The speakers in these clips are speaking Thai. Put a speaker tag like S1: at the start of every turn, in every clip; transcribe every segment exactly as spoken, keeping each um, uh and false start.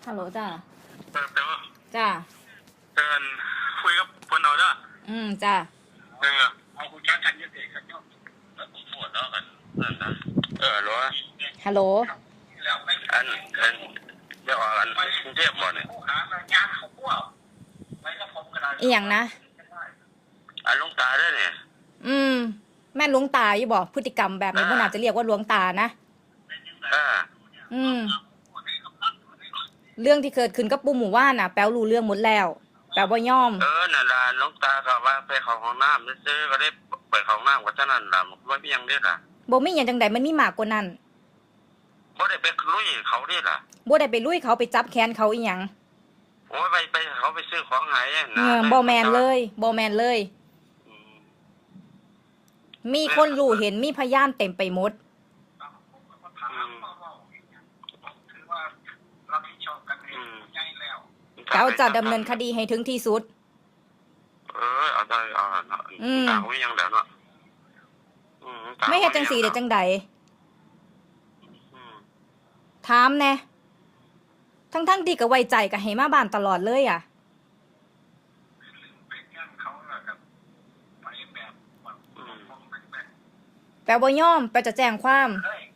S1: ฮัลโหลจ้า
S2: เติมเติม
S1: จ้า
S2: เตือนคุยกับเพื่อนเราเด้อ
S1: อืมจ้า
S2: เออเอาคุณช้างกันยังเด็กกันเนาะแล้วผมปวดแล้วกันนั่นนะเออรู้
S1: ฮัลโหล
S2: อันอันเดี๋ยวอันกรุงเทพหมดเนี่ย
S1: อีหยังนะ
S2: อันลุงตาได้เนี่ย
S1: อืมแม่นหลวงตาอยู่บอกพฤติกรรมแบบนี้มันอาจจะเรียกว่าหลวงตานะ
S2: อ่า
S1: อืมเรื่องที่เกิดขึ้นกับปู่หมู่ว่านน่ะแป๊วรู้เรื่องหมดแล้วแป๊วบ่ยอม
S2: เออนั่นล่ะลุงตาก็ว่าไปเข้าห้องน้ำซื้อก็ได้ไปเข้าห้องน้ำว่าเท่านั้นล่ะมันไม่มีอย่างเด็ดล่ะ
S1: บ่มีหยังจังใดมันมีมากกว่านั้น
S2: บ่ได้ไปลุยเขาเด็ดล่ะ
S1: บ่ได้ไปลุยเขาไปจับแขนเขาอีหยัง
S2: โอ้ยไปไปเขาไปซื้อของหาย
S1: นะบ่แมนเลยบ่แมนเลยมีคนรู้เห็นมีพยานเต็มไปหมดเขาจะดำเนินคดีให้ถึงที่สุด
S2: เออเอาได้เอาต่างวิยังแล้วเนาะ
S1: ไม่เฮ็ดจังสีเด้จังใดถามแน่ทั้งๆที่ก็ไว้ใจก็ให้มาบ้านตลอดเลยอ่ะแปลบ่ยอมแปลจะแจ้งความ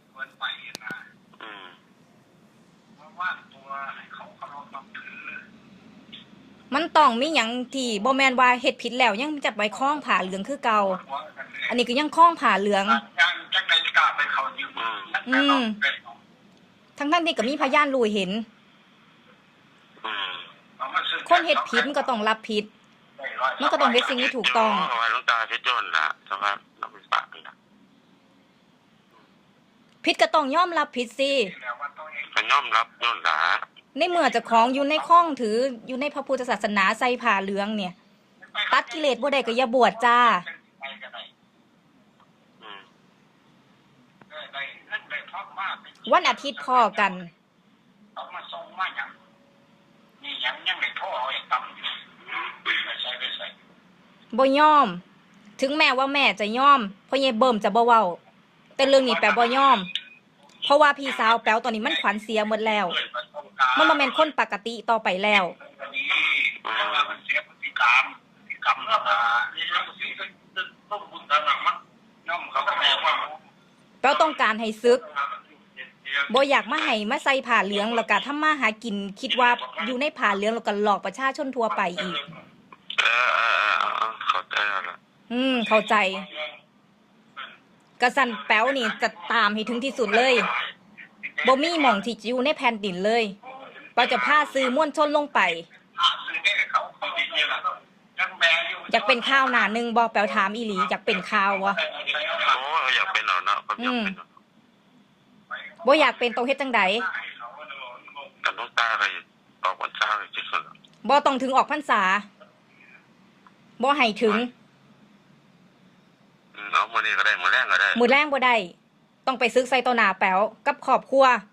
S1: มันต้องมีหยังที่บ่แม่นว่าเฮ็ดผิดแล้วยังจับไว้คล้องผ้าเหลืองคือเก่าอันนี้ก็ยังคล้องผ้าเหลืองอืมทั้งๆที่ก็มีพยานรู้เห็นคนเฮ็ดผิดมันก็ต้องรับผิดมันก็ต้องเฮ็ดสิ่งที่ถูกต้องผิดก็ต้องยอมรับผิดสิ
S2: ยอมรับยอมหลา
S1: ในเมื่อเจ้าของอยู่ในข้องถืออยู่ในพระพุทธศาสนาใส่ผ้าเหลืองเนี่ยตัดกิเลสบ่ได้ก็อย่าบวชจ้าวันอาทิตย์พอกันบ่ยอมถึงแม้ว่าแม่จะยอมพ่อเย่เบิ่มจะบ่เว้าแต่เรื่องนี้แปลบ่ยอมเพราะว่าพี่สาวแป๋วตอนนี้มันขวัญเสียหมดแล้วมันบ่แม่นคนปกติต่อไปแล้วแป๋วต้องการให้ซึกบ่อยากมาให้มาใส่ผ้าเหลืองแล้วก็ทำมาหากินคิดว่าอยู่ในผ้าเหลืองแล้วก็หลอกประชาชนทั่วไปอีก
S2: เออๆๆเข้าใจแล้ว
S1: อืมเข้าใจกระสันแป๋วนี่จะตามให้ถึงที่สุดเลยบ่มีหม่องที่อยู่ในแผ่นดินเลยแป๋วจะพาสื่อมวลชนลงไปอยากเป็นข่าวหน้าหนึ่งบ่แป๋วถามอีหลีอยากเป็นข่าววะ
S2: โอ้อยากเป็นเอาเนาะ
S1: อืมบ่อยากเป็นต้องเฮ็ดจังใด
S2: กับน้องตาก็ออกพรรษาเลยที่สุด
S1: บ่ต้องถึงออกพรรษาบ่ให้ถึง
S2: เอามื้อนี้ก็ได้มื้อแรงก็ได้
S1: มื้อแรงบ่ได้ต้องไปซึกใส่ต่อหน้าแป๋วกับครอบครัว